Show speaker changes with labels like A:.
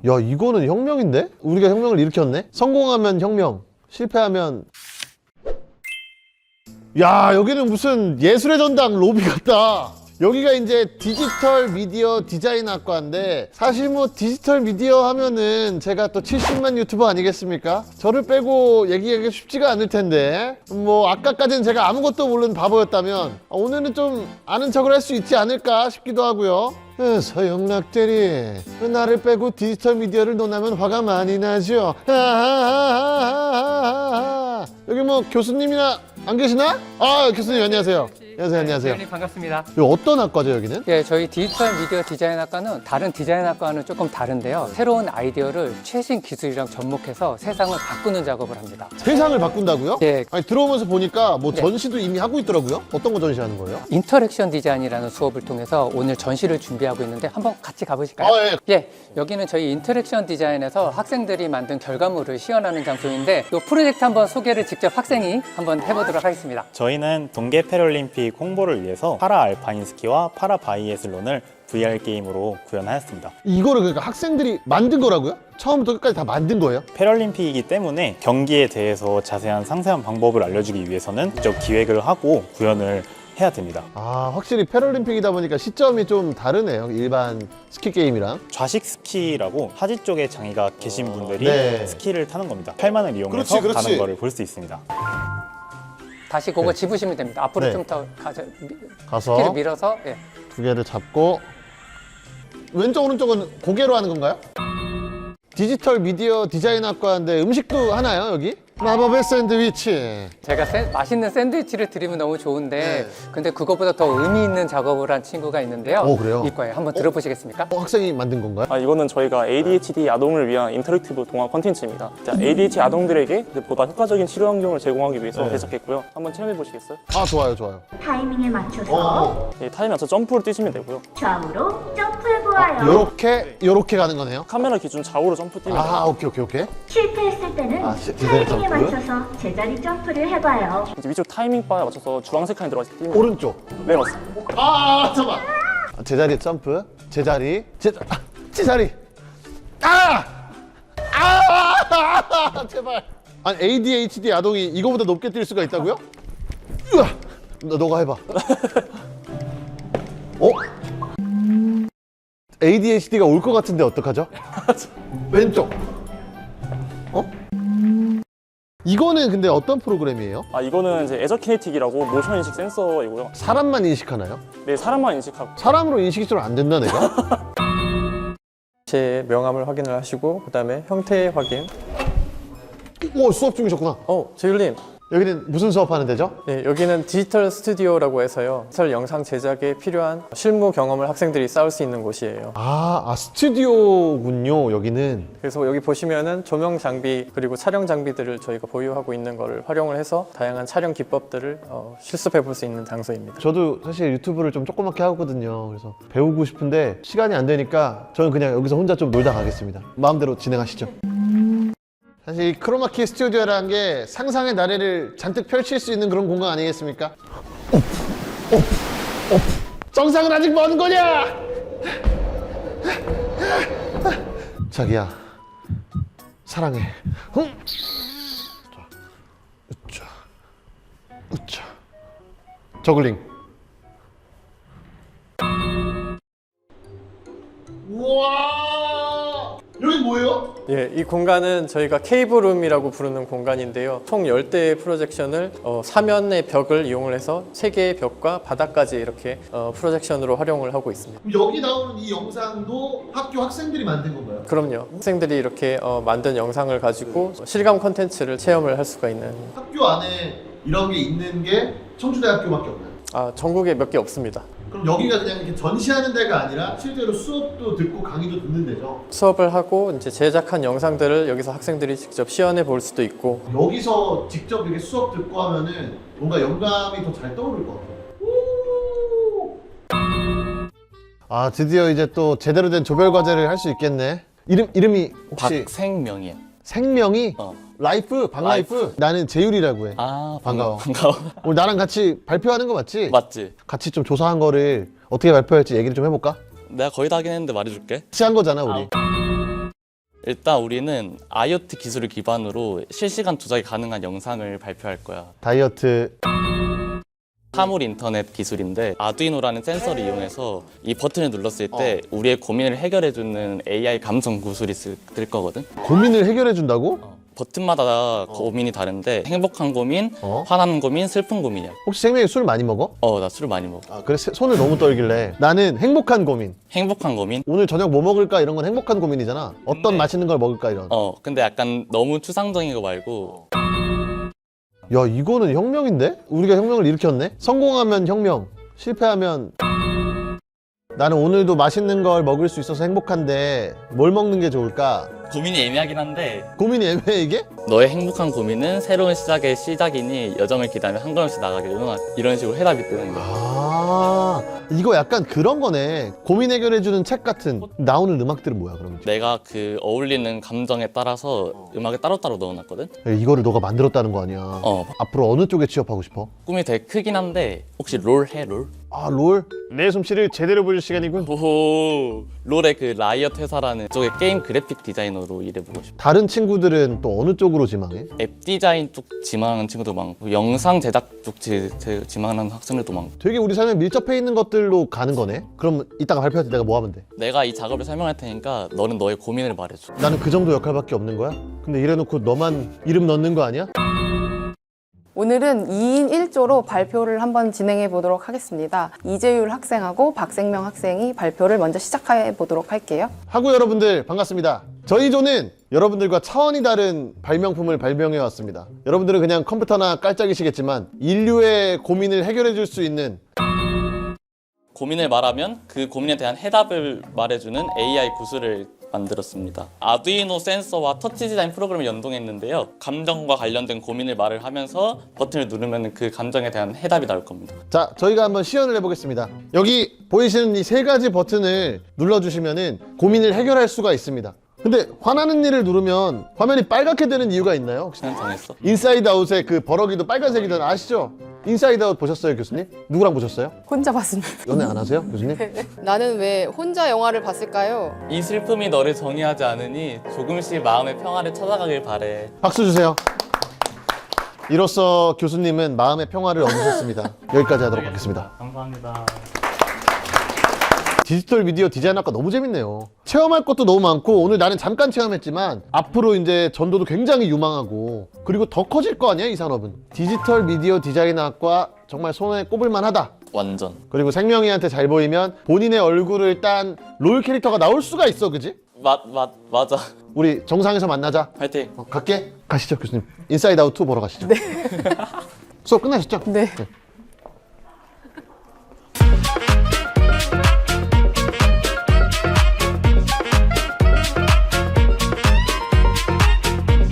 A: 야, 이거는 혁명인데? 우리가 혁명을 일으켰네? 성공하면 혁명, 실패하면. 야, 여기는 무슨 예술의 전당 로비 같다. 여기가 이제 디지털 미디어 디자인 학과인데, 사실 뭐 디지털 미디어 하면은 제가 또 70만 유튜버 아니겠습니까? 저를 빼고 얘기하기 쉽지가 않을 텐데, 뭐 아까까지는 제가 아무것도 모르는 바보였다면 오늘은 좀 아는 척을 할 수 있지 않을까 싶기도 하고요. 서영락 대리, 나를 빼고 디지털 미디어를 논하면 화가 많이 나죠. 여기 뭐 교수님이나 안 계시나? 아, 교수님 안녕하세요. 안녕하세요.
B: 대표님 반갑습니다.
A: 여기 어떤 학과죠, 여기는?
B: 예, 저희 디지털 미디어 디자인 학과는 다른 디자인 학과와는 조금 다른데요. 새로운 아이디어를 최신 기술이랑 접목해서 세상을 바꾸는 작업을 합니다.
A: 세상을 바꾼다고요?
B: 예.
A: 아니, 들어오면서 보니까 뭐
B: 네.
A: 전시도 이미 하고 있더라고요. 어떤 거 전시하는 거예요?
B: 인터랙션 디자인이라는 수업을 통해서 오늘 전시를 준비하고 있는데 한번 같이 가보실까요?
A: 예.
B: 예, 여기는 저희 인터랙션 디자인에서 학생들이 만든 결과물을 시연하는 장소인데 이 프로젝트 한번 소개를 직접 학생이 한번 해보도록 하겠습니다.
C: 저희는 동계 패럴림픽 홍보를 위해서 파라 알파인 스키와 파라 바이애슬론을 VR 게임으로 구현하였습니다.
A: 이거를 그러니까 학생들이 만든 거라고요? 처음부터 끝까지 다 만든 거예요?
C: 패럴림픽이기 때문에 경기에 대해서 자세한 상세한 방법을 알려주기 위해서는 직접 기획을 하고 구현을 해야 됩니다.
A: 아, 확실히 패럴림픽이다 보니까 시점이 좀 다르네요. 일반 스키 게임이랑.
C: 좌식 스키라고 하지 쪽에 장애가 계신 분들이
A: 네.
C: 스키를 타는 겁니다. 팔만을 이용해서
A: 그렇지.
C: 가는 거를 볼 수 있습니다.
B: 다시 그거
A: 네.
B: 집으시면 됩니다. 앞으로
A: 네.
B: 좀 더
A: 가서
B: 스키를 밀어서 예.
A: 두 개를 잡고 왼쪽 오른쪽은 고개로 하는 건가요? 디지털 미디어 디자인 학과인데 음식도 하나요, 여기? 마법의 샌드위치.
B: 제가 맛있는 샌드위치를 드리면 너무 좋은데
A: 네.
B: 근데 그것보다 더 의미 있는 작업을 한 친구가 있는데요.
A: 그래요?
B: 이과에 한번 들어보시겠습니까?
A: 학생이 만든 건가요?
D: 이거는 저희가 ADHD 아동을 위한 인터랙티브 동화 콘텐츠입니다. ADHD 아동들에게 보다 효과적인 치료 환경을 제공하기 위해서
A: 네.
D: 제작했고요. 한번 체험해 보시겠어요?
A: 아, 좋아요.
E: 타이밍에 맞춰서
D: 타임에 맞춰 점프를 뛰시면 되고요.
E: 좌우로 점프해보아요.
A: 요렇게 가는 거네요?
D: 카메라 기준 좌우로 점프 뛰면 돼요.
A: 아, 오케이.
E: 실패했을 때는
A: 제자리
E: 타이밍에
A: 점프?
E: 맞춰서 제자리 점프를 해봐요.
D: 이제 위쪽 타이밍 바에 맞춰서 주황색 칸이 들어가서 뛰면
A: 오른쪽.
D: 네, 맞습니다.
A: 잠깐만. 제자리 점프. 제자리. 제발. 아니, ADHD 아동이 이거보다 높게 뛸 수가 있다고요? 으아! 너가 해봐. ADHD가 올 것 같은데 어떡하죠? 왼쪽. 이거는 근데 어떤 프로그램이에요?
D: 이거는 이제 에저키네틱이라고 모션 인식 센서이고요.
A: 사람만 인식하나요?
D: 네, 사람만 인식하고.
A: 사람으로 인식이 좀 안 된다, 내가?
F: 제 명함을 확인을 하시고 그다음에 형태 확인.
A: 오, 수업 중이셨구나.
F: 재율님.
A: 여기는 무슨 수업하는 데죠?
F: 네, 여기는 디지털 스튜디오라고 해서요. 디지털 영상 제작에 필요한 실무 경험을 학생들이 쌓을 수 있는 곳이에요.
A: 스튜디오군요, 여기는.
F: 그래서 여기 보시면은 조명 장비 그리고 촬영 장비들을 저희가 보유하고 있는 거를 활용을 해서 다양한 촬영 기법들을 실습해 볼 수 있는 장소입니다.
A: 저도 사실 유튜브를 좀 조그맣게 하거든요. 그래서 배우고 싶은데 시간이 안 되니까 저는 그냥 여기서 혼자 좀 놀다 가겠습니다. 마음대로 진행하시죠. 사실 이 크로마키 스튜디오라는 게 상상의 나래를 잔뜩 펼칠 수 있는 그런 공간 아니겠습니까? 정상은 아직 먼 거냐? 자기야, 사랑해. 으쌰. 저글링. 우와! 여기 뭐예요?
F: 예, 이 공간은 저희가 케이블룸이라고 부르는 공간인데요. 총 10대의 프로젝션을 사면의 벽을 이용을 해서 3개의 벽과 바닥까지 이렇게 프로젝션으로 활용을 하고 있습니다.
A: 그럼 여기 나오는 이 영상도 학교 학생들이 만든 건가요?
F: 그럼요. 학생들이 이렇게 만든 영상을 가지고 실감 콘텐츠를 체험을 할 수가 있는
A: 학교 안에 이런 게 있는 게 청주대학교밖에 없나요?
F: 전국에 몇 개 없습니다.
A: 그럼 여기가 그냥 이렇게 전시하는 데가 아니라 실제로 수업도 듣고 강의도 듣는 데죠?
F: 수업을 하고 이제 제작한 영상들을 여기서 학생들이 직접 시연해 볼 수도 있고
A: 여기서 직접 이렇게 수업 듣고 하면은 뭔가 영감이 더 잘 떠오를 것 같아요. 드디어 이제 또 제대로 된 조별 과제를 할 수 있겠네. 이름이 혹시
G: 박생명이야.
A: 생명이? 라이프? 박라이프?
G: 라이프.
A: 나는 재율이라고 해.
G: 반가워.
A: 오늘 나랑 같이 발표하는 거 맞지?
G: 맞지?
A: 같이 좀 조사한 거를 어떻게 발표할지 얘기를 좀 해볼까?
G: 내가 거의 다 하긴 했는데 말해줄게.
A: 같이 한 거잖아, 우리.
G: 일단 우리는 IoT 기술을 기반으로 실시간 조작이 가능한 영상을 발표할 거야.
A: 다이어트.
G: 사물 인터넷 기술인데 아두이노라는 센서를 이용해서 이 버튼을 눌렀을 때 우리의 고민을 해결해주는 AI 감성 구슬이 뜰 거거든.
A: 고민을 해결해 준다고?
G: 버튼마다 고민이 다른데 행복한 고민, 화나는 고민, 슬픈 고민이야.
A: 혹시 생명이 술 많이 먹어?
G: 나 술을 많이 먹어.
A: 아, 그래 손을 너무 떨길래. 나는 행복한 고민.
G: 행복한 고민?
A: 오늘 저녁 뭐 먹을까 이런 건 행복한 고민이잖아. 어떤 맛있는 걸 먹을까 이런.
G: 근데 약간 너무 추상적인 거 말고
A: 야, 이거는 혁명인데? 우리가 혁명을 일으켰네? 성공하면 혁명, 실패하면 나는 오늘도 맛있는 걸 먹을 수 있어서 행복한데 뭘 먹는 게 좋을까?
G: 고민이 애매하긴 한데
A: 고민이 애매해 이게?
G: 너의 행복한 고민은 새로운 시작의 시작이니 여정을 기다며 한 걸음씩 나가길 응원 이런 식으로 해답이 뜨는 거야.
A: 아, 이거 약간 그런 거네. 고민 해결해주는 책 같은. 나오는 음악들은 뭐야 그러면?
G: 내가 그 어울리는 감정에 따라서 음악을 따로따로 넣어놨거든?
A: 이거를 너가 만들었다는 거 아니야? 앞으로 어느 쪽에 취업하고 싶어?
G: 꿈이 되게 크긴 한데 혹시 롤 해? 롤?
A: 아, 롤? 내 솜씨를 제대로 보여줄 시간이군.
G: 오호 롤의 그 라이엇 회사라는 쪽에 게임 그래픽 디자이너로 일해보고 싶어.
A: 다른 친구들은 또 어느 쪽으로 지망해?
G: 앱 디자인 쪽 지망하는 친구도 많고 영상 제작 쪽 지망하는 학생들도 많고.
A: 되게 우리 삶에 밀접해 있는 것들로 가는 거네? 그럼 이따가 발표할 때 내가 뭐 하면 돼?
G: 내가 이 작업을 설명할 테니까 너는 너의 고민을 말해줘.
A: 나는 그 정도 역할밖에 없는 거야? 근데 이래놓고 너만 이름 넣는 거 아니야?
H: 오늘은 2인 1조로 발표를 한번 진행해 보도록 하겠습니다. 이재율 학생하고 박생명 학생이 발표를 먼저 시작해 보도록 할게요.
A: 하고 여러분들 반갑습니다. 저희 조는 여러분들과 차원이 다른 발명품을 발명해 왔습니다. 여러분들은 그냥 컴퓨터나 깔짝이시겠지만 인류의 고민을 해결해 줄 수 있는
G: 고민을 말하면 그 고민에 대한 해답을 말해주는 AI 구슬을 만들었습니다. 아두이노 센서와 터치 디자인 프로그램을 연동했는데요. 감정과 관련된 고민을 말을 하면서 버튼을 누르면 그 감정에 대한 해답이 나올 겁니다.
A: 자, 저희가 한번 시연을 해보겠습니다. 여기 보이시는 이 세 가지 버튼을 눌러주시면은 고민을 해결할 수가 있습니다. 근데 화나는 일을 누르면 화면이 빨갛게 되는 이유가 있나요? 혹시?
G: 그냥 정했어?
A: 인사이드 아웃의 그 버럭이도 빨간색이던 아시죠? 인사이드 아웃 보셨어요, 교수님? 누구랑 보셨어요?
H: 혼자 봤습니다.
A: 연애 안 하세요, 교수님?
H: 나는 왜 혼자 영화를 봤을까요?
G: 이 슬픔이 너를 정의하지 않으니 조금씩 마음의 평화를 찾아가길 바래.
A: 박수 주세요. 이로써 교수님은 마음의 평화를 얻으셨습니다. 여기까지 하도록 하겠습니다.
C: 감사합니다.
A: 디지털 미디어 디자인학과 너무 재밌네요. 체험할 것도 너무 많고 오늘 나는 잠깐 체험했지만 앞으로 이제 전도도 굉장히 유망하고 그리고 더 커질 거 아니야 이 산업은. 디지털 미디어 디자인학과 정말 손에 꼽을만 하다.
G: 완전.
A: 그리고 생명이한테 잘 보이면 본인의 얼굴을 딴 롤 캐릭터가 나올 수가 있어, 그지?
G: 맞아.
A: 우리 정상에서 만나자.
G: 화이팅.
A: 갈게. 가시죠, 교수님. 인사이드 아웃 2 보러 가시죠. 네. 수업 끝나셨죠?
H: 네.